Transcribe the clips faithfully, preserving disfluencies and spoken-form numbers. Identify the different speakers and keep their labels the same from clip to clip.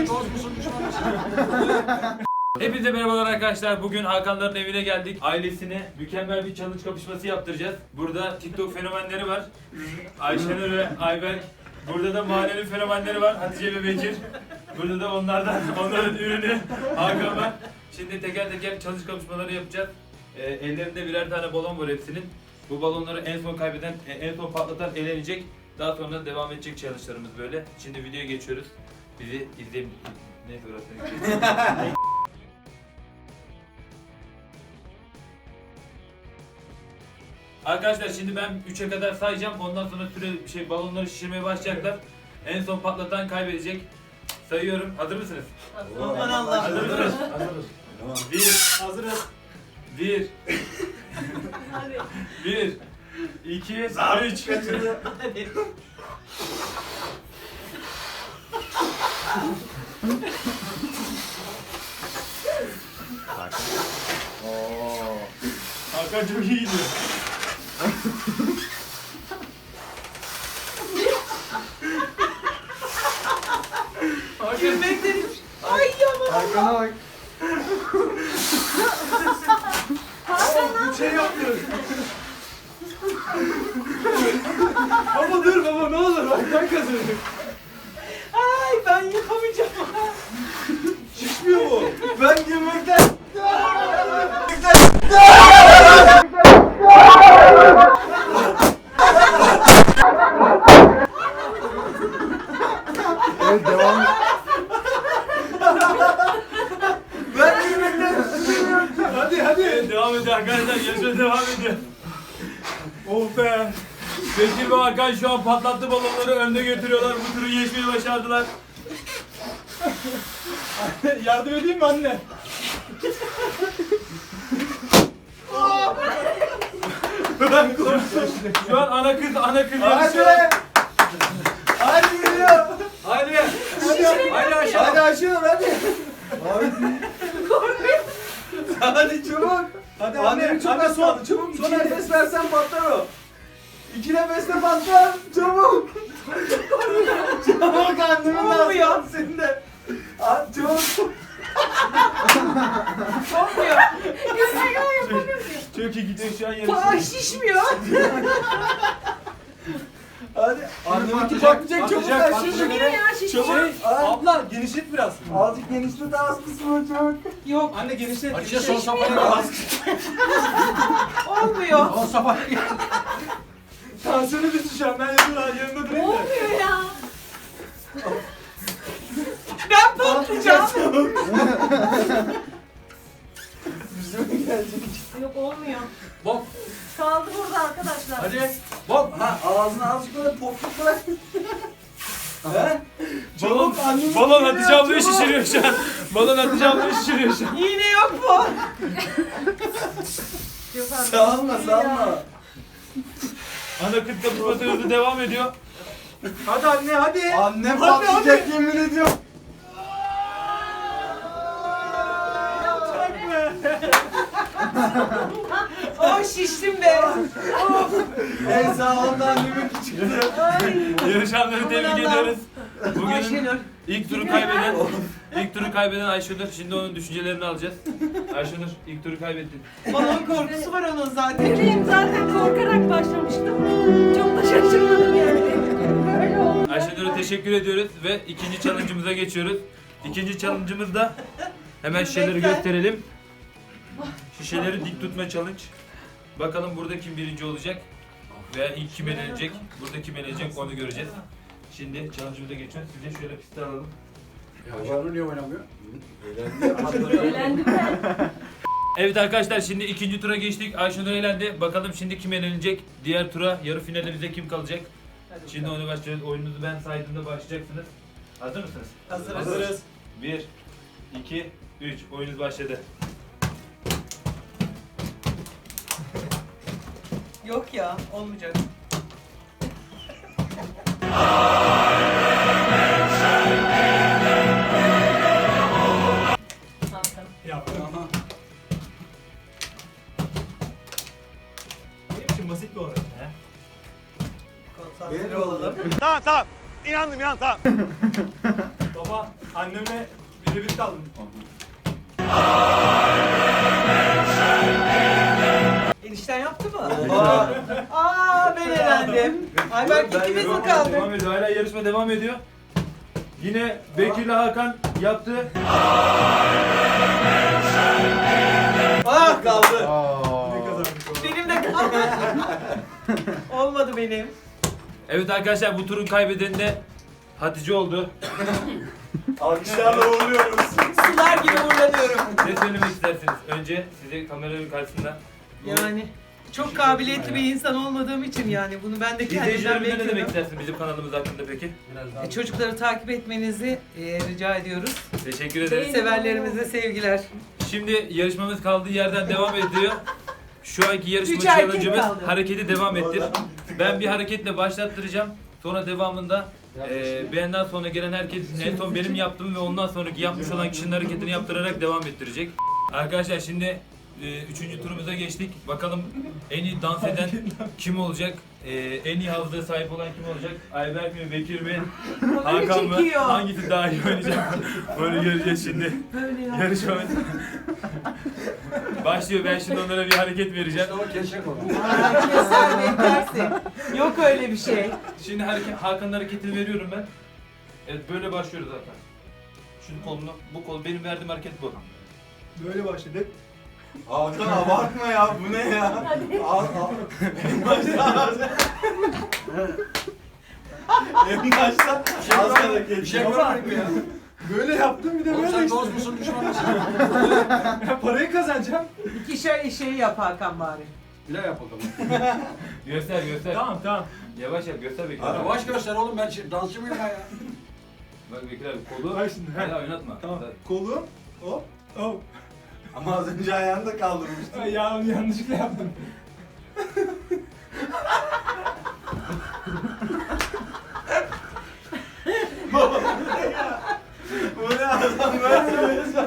Speaker 1: Dost musun düşman mısın?
Speaker 2: Hepinize merhabalar arkadaşlar. Bugün Hakanların evine geldik. Ailesine mükemmel bir challenge kapışması yaptıracağız. Burada TikTok fenomenleri var. Ayşenur ve Ayber. Burada da mahallenin fenomenleri var. Hatice ve Bekir. Burada da onlardan, onların ürünü Hakan var. Şimdi teker teker challenge kapışmaları yapacağız. Ee, ellerinde birer tane balon var hepsinin. Bu balonları en son kaybeden, en son patlatan elenecek. Daha sonra devam edecek challenge'larımız böyle. Şimdi videoya geçiyoruz. Bizi izleyin. Neyse orası. Arkadaşlar şimdi ben üçe kadar sayacağım. Ondan sonra süre şey balonları şişirmeye başlayacaklar. En son patlatan kaybedecek. Sayıyorum. Hazır mısınız?
Speaker 3: Aman Allah.
Speaker 2: Hazır mısınız?
Speaker 1: Hazırız.
Speaker 2: Bir.
Speaker 3: Hazırız.
Speaker 2: Bir.
Speaker 4: Hadi.
Speaker 2: Bir. İki. Üç.
Speaker 1: Oo.
Speaker 2: Hakan çok iyi gidiyor.
Speaker 4: Gülmekten ay yaman.
Speaker 1: Hakan'a bak.
Speaker 3: Bir şey yapmıyoruz. Baba dur baba ne olur bak ben kazanıyorum.
Speaker 4: Ay ben yapamayacağım.
Speaker 3: Şişmiyor mu? Ben gülmekten.
Speaker 1: Evet devam.
Speaker 3: Ben gülmekten. Hadi hadi.
Speaker 2: Devam ediyor arkadaşlar. Yarışma devam ediyor. Oh be. Bekir ve Hakan şu an patlattı balonları önde götürüyorlar. Bu turu geçmeyi başardılar.
Speaker 3: Yardım edeyim mi anne? Ben korktum.
Speaker 2: Şu an ana kız ana kız
Speaker 3: Hadi.
Speaker 2: yarışıyor.
Speaker 3: Hadi geliyor.
Speaker 2: Hadi.
Speaker 3: Hadi.
Speaker 2: Hadi aşağı.
Speaker 3: Hadi aşıyor hadi. Hadi çabuk. Hadi anne,
Speaker 1: Annem çok
Speaker 3: anne
Speaker 1: az
Speaker 3: son,
Speaker 1: kaldı, çabuk,
Speaker 3: son
Speaker 1: iki
Speaker 3: nefes versen patlar o. İki nefeste patlar, çabuk. Çabuk annemin lazım senin de. Hadi çabuk.
Speaker 4: Olmuyor. Güzel yapamıyorum.
Speaker 2: Çok iyi gidiyor şu an
Speaker 4: Ay
Speaker 2: yarışıyor.
Speaker 4: şişmiyor.
Speaker 3: Hadi. Anneminki
Speaker 1: patlayacak,
Speaker 3: patlayacak çabuk
Speaker 1: patlayacak,
Speaker 3: aşıyor.
Speaker 4: Şişmiyor ya şişmiyor.
Speaker 3: Çabuk. Ay,
Speaker 1: Abla genişlet biraz.
Speaker 3: azıcık genişlet az kısmı çabuk.
Speaker 4: Yok
Speaker 1: Anne genişlet.
Speaker 2: Açıkça son
Speaker 1: genişlet.
Speaker 2: safhaya gel.
Speaker 4: olmuyor.
Speaker 1: Son safhaya gel.
Speaker 3: Tansiyonu düştü şu an ben yanında, yanında durayım da.
Speaker 4: Olmuyor ya. Ben patlayacağım.
Speaker 3: Yüzüme gelecek.
Speaker 4: Yok olmuyor.
Speaker 1: Bok.
Speaker 4: Kaldı burada arkadaşlar.
Speaker 1: Hadi. Bok.
Speaker 3: Ha ağzına azıcık böyle popluk bırak. He?
Speaker 2: Balon,
Speaker 3: annemin
Speaker 2: balon
Speaker 3: geliyor,
Speaker 2: Hatice ablayı
Speaker 3: çabuk.
Speaker 2: şişiriyor şu an. Balon Hatice ablayı şişiriyor şu an.
Speaker 4: İğne yok mu? Yok abi.
Speaker 3: Sağılma sağılma.
Speaker 2: Ana kız kapışması hızlı devam ediyor.
Speaker 3: Hadi anne hadi.
Speaker 1: Annem
Speaker 3: Hadi,
Speaker 1: patlayacak
Speaker 3: hadi.
Speaker 1: yemin ediyorum.
Speaker 4: Oh şiştim be. Of.
Speaker 3: En sağlamda annemin çıktı.
Speaker 4: Ay.
Speaker 2: Yarışanları tebrik
Speaker 4: Aman
Speaker 2: ediyoruz. Bugünün
Speaker 4: Ayşenur.
Speaker 2: ilk turu kaybeden, ilk turu kaybeden Ayşenur. Şimdi onun düşüncelerini alacağız. Ayşenur ilk turu kaybettin.
Speaker 4: Balon korkusu var onun zaten.
Speaker 5: Bebeğim zaten korkarak başlamıştım. Çok da şaşırmadım yani. Böyle oldu.
Speaker 2: Ayşenur'a teşekkür ediyoruz ve ikinci challenge'ımıza geçiyoruz. İkinci challenge'ımızda hemen şişeleri gösterelim. Şişeleri dik tutma challenge. Bakalım burada kim birinci olacak veya ilk kim elenecek. Burada kim elenecek onu göreceğiz. Şimdi challenge'ımıza geçiyoruz. Size şöyle piste alalım.
Speaker 1: Hakan'ın niye oynamıyor?
Speaker 5: Eğlendim ben.
Speaker 2: Evet arkadaşlar şimdi ikinci tura geçtik. Ayşenur elendi. Bakalım şimdi kim elenecek? Diğer tura yarı finalimizde kim kalacak? Şimdi onu başlıyoruz. Oyununuzu ben saydığımda başlayacaksınız. Hazır mısınız?
Speaker 4: Hazırız.
Speaker 2: Hazırız. bir, iki, üç. Oyunuz başladı.
Speaker 4: Yok ya olmayacak.
Speaker 3: Yaptım.
Speaker 2: Benim için basit bir oyun. He?
Speaker 4: Konsantre olalım.
Speaker 6: Tamam tamam. İnandım inan tamam.
Speaker 2: Baba, anne
Speaker 1: Annemle birebir kaldım.
Speaker 4: Enişten yaptı mı?
Speaker 3: Aa.
Speaker 4: Aa ben elendim. Ayberk
Speaker 3: Ben
Speaker 4: ikimiz mi
Speaker 3: devam-
Speaker 4: kaldık?
Speaker 2: Devam ediyor. Hala yarışma devam ediyor. Yine Bekir'le Hakan yaptı.
Speaker 3: Ah kaldı.
Speaker 1: Ne kazandık o?
Speaker 4: Benim de kaldı. Olmadı benim.
Speaker 2: Evet arkadaşlar bu turun kaybedeni de Hatice oldu.
Speaker 3: Alkışlarla uğurluyoruz.
Speaker 4: Sular gibi uğurlanıyorum.
Speaker 2: Ne söylemek istersiniz? Önce size kameranın karşısında.
Speaker 4: Yani çok kabiliyetli bir insan olmadığım için yani bunu ben de kendimden
Speaker 2: İzleyicilerimize ne demek
Speaker 4: bekliyorum.
Speaker 2: istersin bizim kanalımız hakkında peki?
Speaker 1: Biraz daha.
Speaker 4: E, çocukları takip etmenizi e, rica ediyoruz.
Speaker 2: Teşekkür ederiz.
Speaker 4: Severlerimize sevgiler.
Speaker 2: Şimdi yarışmamız kaldığı yerden devam ediyor. Şu anki yarışma
Speaker 4: Üç erkek
Speaker 2: challenge'ımız
Speaker 4: kaldı.
Speaker 2: hareketi devam ettir. Ben bir hareketle başlattıracağım. Sonra devamında e, benden sonra gelen herkes en son benim yaptığım ve ondan sonraki yapmış olan kişinin hareketini yaptırarak devam ettirecek. Arkadaşlar şimdi e, üçüncü turumuza geçtik. Bakalım en iyi dans eden kim olacak? E, en iyi hafızaya sahip olan kim olacak? Ayberk mi, Bekir mi, Hakan mı?
Speaker 4: çekiyor.
Speaker 2: Hangisi daha iyi oynayacak? Bunu göreceğiz şimdi.
Speaker 4: Böyle ya.
Speaker 2: Yarışmamız başlıyor. Ben şimdi onlara bir hareket vereceğim.
Speaker 1: İşte o keşek o.
Speaker 4: Aa, keser beklersin. Yok öyle bir şey.
Speaker 2: Şimdi hareket, Hakan'ın hareketini veriyorum ben. Evet böyle başlıyoruz zaten. Şu kolunu, bu kol benim verdiğim hareket bu.
Speaker 1: Böyle başladık.
Speaker 3: Hakan abartma ya, bu ne ya?
Speaker 5: Hadi.
Speaker 3: Al al. En başta En başta az hareket.
Speaker 1: Bir şey görmedik mi ya?
Speaker 6: Böyle yaptım bir de
Speaker 1: Oğlum
Speaker 6: böyle
Speaker 1: sen
Speaker 6: işte.
Speaker 1: dost musun düşman mısın?
Speaker 6: Ya parayı kazanacağım.
Speaker 4: İkişer şeyi yap Hakan bari.
Speaker 1: Bir daha yap bakalım.
Speaker 2: Göster göster.
Speaker 6: Tamam tamam.
Speaker 2: Yavaş yap göster Bekir
Speaker 1: Hadi
Speaker 2: abi.
Speaker 1: yavaş göster oğlum ben şimdi dansçı mıyım ben ya?
Speaker 2: Bak Bekir abi kolu.
Speaker 6: Bak şimdi, he.
Speaker 2: Hala oynatma.
Speaker 6: Tamam. Kolum. Hop. Hop.
Speaker 3: Ama az önce ayağını da kaldırmıştın.
Speaker 6: Ay, ya yanlışlıkla yaptım.
Speaker 3: Bu ne adam böyle söylüyorsun?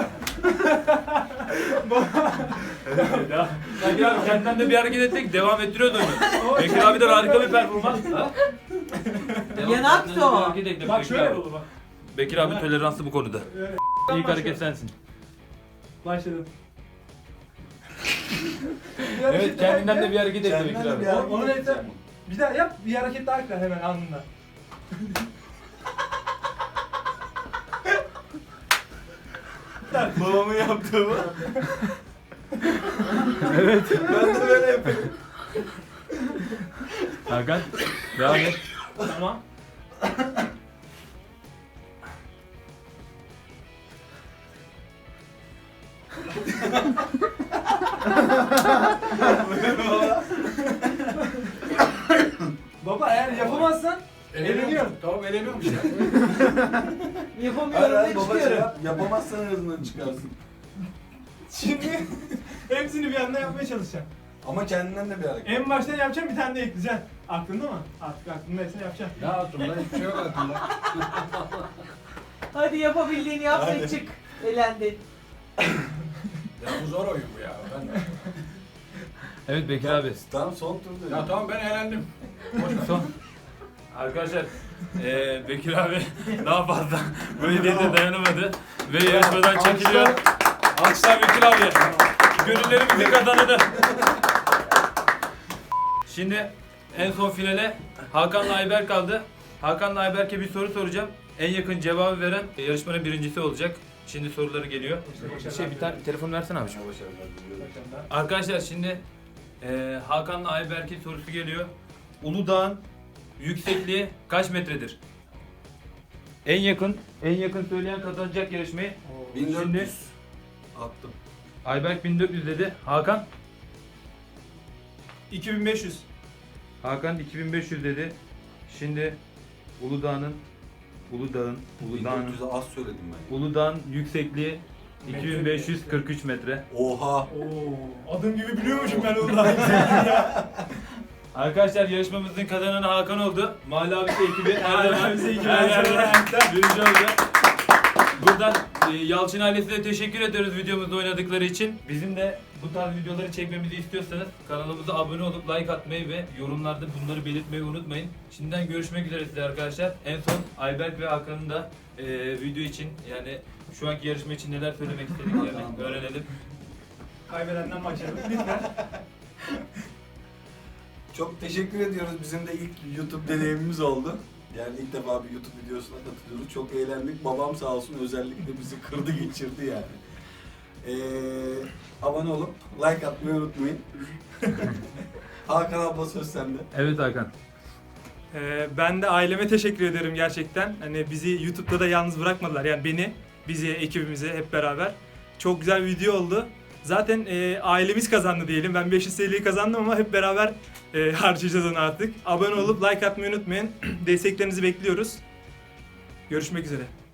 Speaker 2: Ya, Bekir abi kendinden de bir hareket ettik. Devam ettiriyordu oyunu. Bekir abi de harika bir performans. Ha? Devam,
Speaker 4: Yanaktı
Speaker 2: kendinden de bir
Speaker 4: o.
Speaker 2: hareket ekle
Speaker 6: Bak
Speaker 2: Bekir
Speaker 6: şöyle
Speaker 2: abi.
Speaker 6: olur bak.
Speaker 2: Bekir abi toleranslı bu konuda.
Speaker 6: Böyle.
Speaker 2: İlk hareket sensin.
Speaker 6: Başladım.
Speaker 2: Evet kendinden de bir hareket ekle
Speaker 3: Kendinden
Speaker 2: Bekir
Speaker 3: de
Speaker 2: abi.
Speaker 3: bir hareket-
Speaker 6: Onu yeter. Bir daha yap, bir hareket daha ekle hemen anında.
Speaker 3: Babamın yaptığı bu. Evet. Ben de böyle yapıyorum.
Speaker 2: Hakan devam et.
Speaker 6: Tamam. Baba eğer yapamazsan eleniyorum.
Speaker 1: Tamam eleniyorum işte.
Speaker 4: Yapamıyorum
Speaker 3: Hayır
Speaker 4: ve
Speaker 3: baba şey
Speaker 4: çıkıyorum.
Speaker 3: yap. Yapamazsan en azından çıkarsın.
Speaker 6: Şimdi hepsini bir anda yapmaya çalışacağım.
Speaker 3: Ama kendinden de bir hareket.
Speaker 6: En baştan yapacağım, bir tane de ekleyeceksin. Aklında mı? Artık aklında hepsini yapacağım.
Speaker 1: Ne aklımda hiçbir şey yok aklımda.
Speaker 4: Hadi yapabildiğini yap ve
Speaker 3: Hadi.
Speaker 4: çık. Elendin.
Speaker 1: Ya bu zor oyun bu ya. Ben...
Speaker 2: Evet Bekir abi.
Speaker 3: Tamam son turda.
Speaker 1: Ya tamam ben eğlendim.
Speaker 2: Son. Arkadaşlar eee Bekir abi daha fazla bu hediyete dayanamadı ve yarışmadan çekiliyor. Alkışlar Bekir abi. Gönüllerimizin kazananı. Şimdi en son finale Hakan'la Ayberk kaldı. Hakan'la Ayberk'e bir soru soracağım. En yakın cevabı veren yarışmanın birincisi olacak. Şimdi soruları geliyor. Şey bir tane telefon versene abiciğim. Arkadaşlar şimdi eee Hakan'la Ayberk'in sorusu geliyor. Uludağ'ın yüksekliği kaç metredir? En yakın, en yakın söyleyen kazanacak yarışmayı.
Speaker 3: bin dört
Speaker 2: Şimdi
Speaker 3: yüz. Attım.
Speaker 2: Ayberk bin dört yüz dedi. Hakan?
Speaker 6: iki bin beş yüz.
Speaker 2: Hakan iki bin beş yüz dedi. Şimdi Uludağ'ın Uludağ'ın
Speaker 3: bin
Speaker 2: Uludağ'ın
Speaker 3: dört yüzü az söyledim ben.
Speaker 2: Uludağ'ın yüksekliği iki bin beş yüz kırk üç metre.
Speaker 3: Oha.
Speaker 6: Oo, adım gibi biliyormuşum ben onu.
Speaker 2: Arkadaşlar yarışmamızın kazananı Hakan oldu. Mahalle Abisi ekibi her
Speaker 6: Mahalle
Speaker 2: zaman
Speaker 6: Abisi ekibi
Speaker 2: her
Speaker 6: her zaman
Speaker 2: yerde
Speaker 6: ayakta.
Speaker 2: birinci oldu. Buradan e, Yalçın ailesine teşekkür ediyoruz videomuzda oynadıkları için. Bizim de bu tarz videoları çekmemizi istiyorsanız kanalımıza abone olup like atmayı ve yorumlarda bunları belirtmeyi unutmayın. Şimdiden görüşmek üzere size arkadaşlar. En son Ayberk ve Hakan'ın da e, video için yani şu anki yarışma için neler söylemek istediklerini öğrenelim.
Speaker 6: Kaybedenden başlayalım. Lütfen.
Speaker 3: Çok teşekkür ediyoruz. Bizim de ilk YouTube deneyimimiz oldu. Yani ilk defa bir YouTube videosuna katılıyoruz. Çok eğlendik. Babam sağ olsun özellikle bizi kırdı geçirdi yani. Ee, abone olup like atmayı unutmayın. Hakan abla söz sende.
Speaker 2: Evet Hakan.
Speaker 6: Ee, ben de aileme teşekkür ederim gerçekten. Hani bizi YouTube'da da yalnız bırakmadılar. Yani beni, bizi, ekibimizi hep beraber. Çok güzel bir video oldu. Zaten e, ailemiz kazandı diyelim. Ben beş yüz T L'yi kazandım ama hep beraber e, harcayacağız onu artık. Abone olup like atmayı unutmayın. Desteklerinizi bekliyoruz. Görüşmek üzere.